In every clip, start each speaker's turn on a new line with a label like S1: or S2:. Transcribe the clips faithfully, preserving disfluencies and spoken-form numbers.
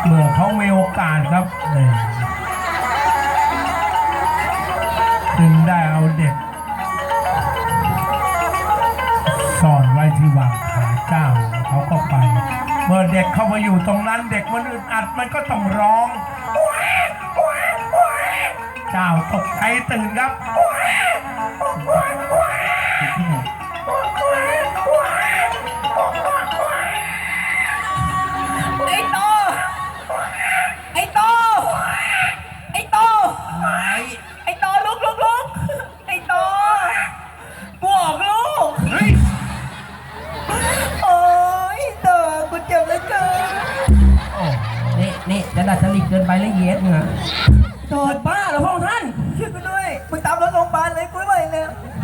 S1: เมื่อเขามีโอกาสครับนี่จึงได้เอาเด็กซ่อนไว้ที่วางขาเจ้าเขาก็ไปเมื่อเด็กเข้ามาอยู่ตรงนั้นเด็กมันอึดอัดมันก็ต้องร้องเจ้าตกใจตื่นครับ
S2: ไอ้โตไอ้โตไอ้โตไอ้โตลุกลุกลุกไอ้โตกูออกลูกโอ้ยโตกูเจ็บเหลือเกิน
S3: นี่นี่จะดัดจริตเกินไปแล้วเย็ดมึงอะโดดบ้าเหรอพระองค์ท่าน
S2: ช่วยกูด้วยมึงตามรถโรงพยาบาลเลยกูไม่ไหวแล้ว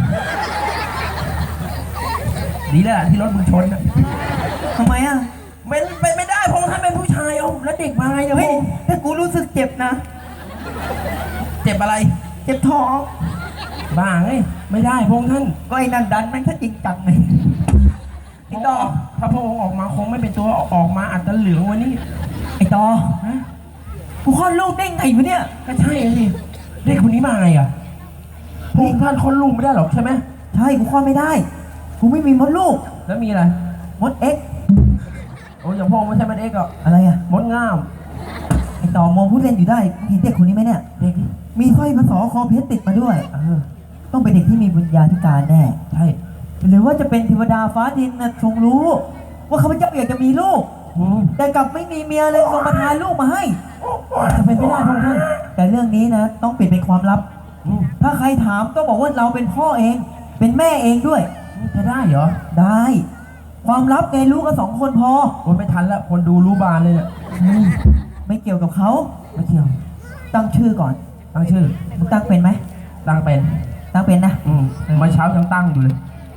S3: ดีแล้วล่ะที่รถมึงชนอะ
S2: ทำไมอ่ะ
S3: เป็นเป็นไม่ได้พระองค์ท่านเป็นผู้ชายเอาแล้วเด็กมาไงเนี่ยพ
S2: เฮ้
S3: ระ
S2: ย
S3: องค์
S2: ถ้ากูรู้สึกเจ็บนะ
S3: เจ็บอะไร
S2: เจ็บท้อง
S3: บ้าไงไม่ได้พระองค์ท่าน
S2: ก็ไอ้นั่นดันแม่งถ้าจริงจังเลยไอ้
S3: ไอ้
S2: ต
S3: ต
S2: อ
S3: อถ้าพระองค์ออกมาคงไม่เป็นตัวออกมาอาจจะเหลืองวันนี้
S2: ไอ้ตอ
S3: ฮะ
S2: กูคลอดลูกได้ไงวะเนี่ย
S3: ก็ใช่สิเด็กคนนี้มาไงอ่ะพระองค์ท่านคนลูกไม่ได้หรอกใช่ไหม
S2: ใช่กูคลอดไม่ได้ กูไม่มีมดลูก
S3: แล้วมีอะไร
S2: มดเอ็กซ์
S3: โอ้ยอย่างพระองค์ไม่ใช่มันเอ็กซ์หรอก
S2: อะไรอ่ะ
S3: มดง่าม
S2: ไอ้ต่อมองผู้เล่นอยู่ได้มึงเห็นเด็กคนนี้ไหมเนี่ย
S3: เด็กนี่
S2: มีสร้อยมาสอคอเพชรติดมาด้วย
S3: เออ
S2: ต้องเป็นเด็กที่มีบุญญาธิการแน่
S3: ใช่
S2: หรือว่าจะเป็นเทวดาฟ้าดินนะทรงรู้ ว่าข้าพเจ้าอยากจะมีลูก
S3: อืม
S2: แต่กลับไม่มีเมียเลยทรงประทานลูกมาให้
S3: จะเป็นไม่ได้พระองค์ท่าน
S2: แต่เรื่องนี้นะต้องปิดเป็นความลับ
S3: อืม
S2: ถ้าใครถามต้องบอกว่าเราเป็นพ่อเอง เป็นแม่เองด้วย
S3: จะได้เหรอ
S2: ได้ ความลับไงรู้กันสองคนพอ
S3: คนไม่ทันแล้วคนดูรู้บานเลยเนี่ย
S2: ไม่เกี่ยวกับเขา
S3: ไม่เที่ยว
S2: ตั้งชื่อก่อน
S3: ตั้งชื่อ
S2: มึงตั้งเป็นไหม
S3: ตั้งเป็น
S2: ตั้งเป็นนะ
S3: อืมเมื่อเช้ายังตั้งอยู่เลย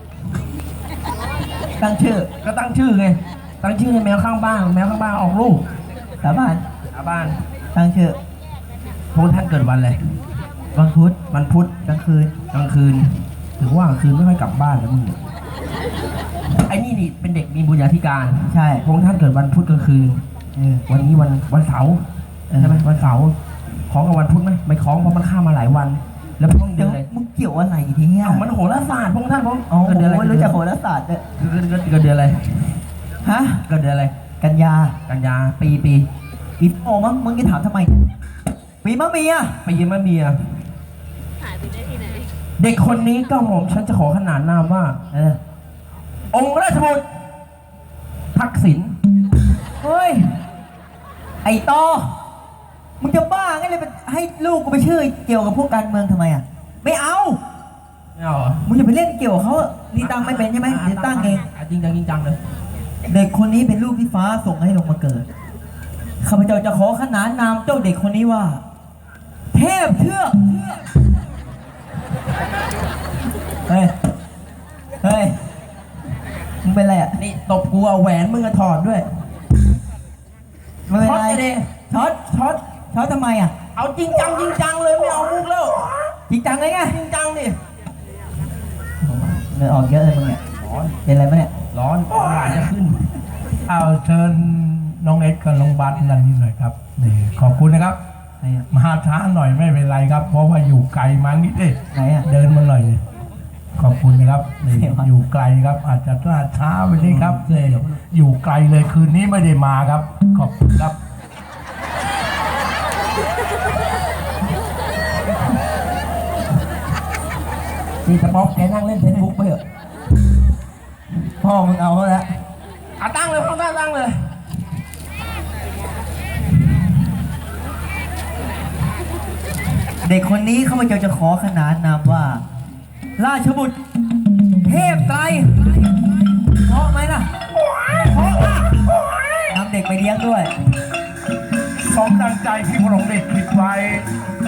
S2: ตั้งชื่อ
S3: ก็ตั้งชื่อไง ตั้งชื่อให้แมวข้างบ้าน แมวข้างบ้านออกลูก
S2: สาบาน
S3: ชาวบ้าน
S2: ตั้งชื่อ
S3: พงท่านเกิดวันอะไร
S2: วันพุธ
S3: วันพุธ
S2: กลางคืน
S3: กลางคืน ถือว่ากลางคืนไม่ค่อยกลับบ้านแล้วมึงเนี่ยไอ้นี่นี่เป็นเด็กมีบุญญาธิการ
S2: ใช่
S3: พงท่านเกิดวันพุธกลางคืน
S2: เออ
S3: วันนี้วันวันเสาร์
S2: เออ
S3: ใช่ไหมวันเสาร์ของกับวันพุธไหมไม่ของเพราะมันข้ามมาหลายวัน แล้วพงเดื
S2: เดี๋
S3: อย
S2: วน
S3: อะไร
S2: มึงเกี่ยวอะไรทีเนี่ย
S3: เอ้ามันโหราศาสตร์พงท่านพง
S2: อ๋อ
S3: เกิดเดือนอะไร
S2: รู้จักโหราศาสตร์ด้วย
S3: เกิดเกิดเกิดเดือนอะไร
S2: ฮะ
S3: เกิดเดือนอะไร
S2: กันยา
S3: กันยาปีปี
S2: ปีโอมั้งมึงจะถามทำไม ปีมะเมีย
S3: ปีมะเมียเด็กคนนี้ก็หม่อมฉันจะขอขนานนามว่า
S2: เออ
S3: องค์ราชบุตรทักษิณ
S2: เฮ้ย ไอ้ตอมึงจะบ้าไงเลยไปให้ลูกกูไปชื่อเกี่ยวกับพวกการเมืองทำไมอ่ะ ไม่เอา
S3: ไม่เอาเหรอ
S2: มึงจะไปเล่นเกี่ยวกับเขาอะนี่ตั้งไม่เป็นใช่ไหมเดี๋ยวตั้งเอง
S3: จริงจังจริงจังเลย
S2: เด็กคนนี้เป็นลูกที่ฟ้าส่งให้ลงมาเกิด ข้าพเจ้าจะขอขนานนามเจ้าเด็กคนนี้ว่า เทพเทือกเฮ้ย เฮ้ย มึงเป็นไรอ่ะ
S3: นี่ตบกูเอาแหวนมึงอะถอดด้วย
S2: มึงเป็น
S3: ช็อต
S2: ไร
S3: จะเด
S2: ช็อต
S3: ช็อต
S2: ช็อตทำไมอ่ะ
S3: เอาจริงจังจริงจังเลยไม่เอามุกแล้ว
S2: จริงจังเลยไง
S3: จริงจังดิ
S2: เลือดออกเยอะเลยมึงเนี่ย
S3: ร้อน
S2: เป็นอะไรปะเนี่ย
S3: ร้อนหวานจะขึ้น
S1: เอาเชิญน้องเอ็ดกับน้องบัสนั่นนี่หน่อยครับนี่ขอบคุณนะครับ
S2: ไหนอ่ะ
S1: มาช้าหน่อยไม่เป็นไรครับ เพราะว่าอยู่ไกลมานิดเดียว
S2: ไหนอ่ะ
S1: เดินมาหน่อย ขอบคุณนะครับนี่
S2: เสียวะ
S1: อยู่ไกลครับ อาจจะล่าช้าไปนิดครับเลยอยู่ไกลเลยคืนนี้ไม่ได้มาครับ ขอบคุณครับ
S3: นี่สป๊อกแกนั่งเล่นเฟซบุ๊กไปเถอะ
S2: พ่อมึงเอาเขาแล้ว
S3: อ่ะตั้งเลยพ่อตั้งตั้งเลย
S2: เด็กคนนี้ข้าพเจ้าจะขอขนานนามว่า ราชบุตร เทพไตรเพราะไหมล่ะเพราะล่ะนำเด็กไปเลี้ยงด้วย
S1: สมดังใจที่พระองค์ได้คิดไว้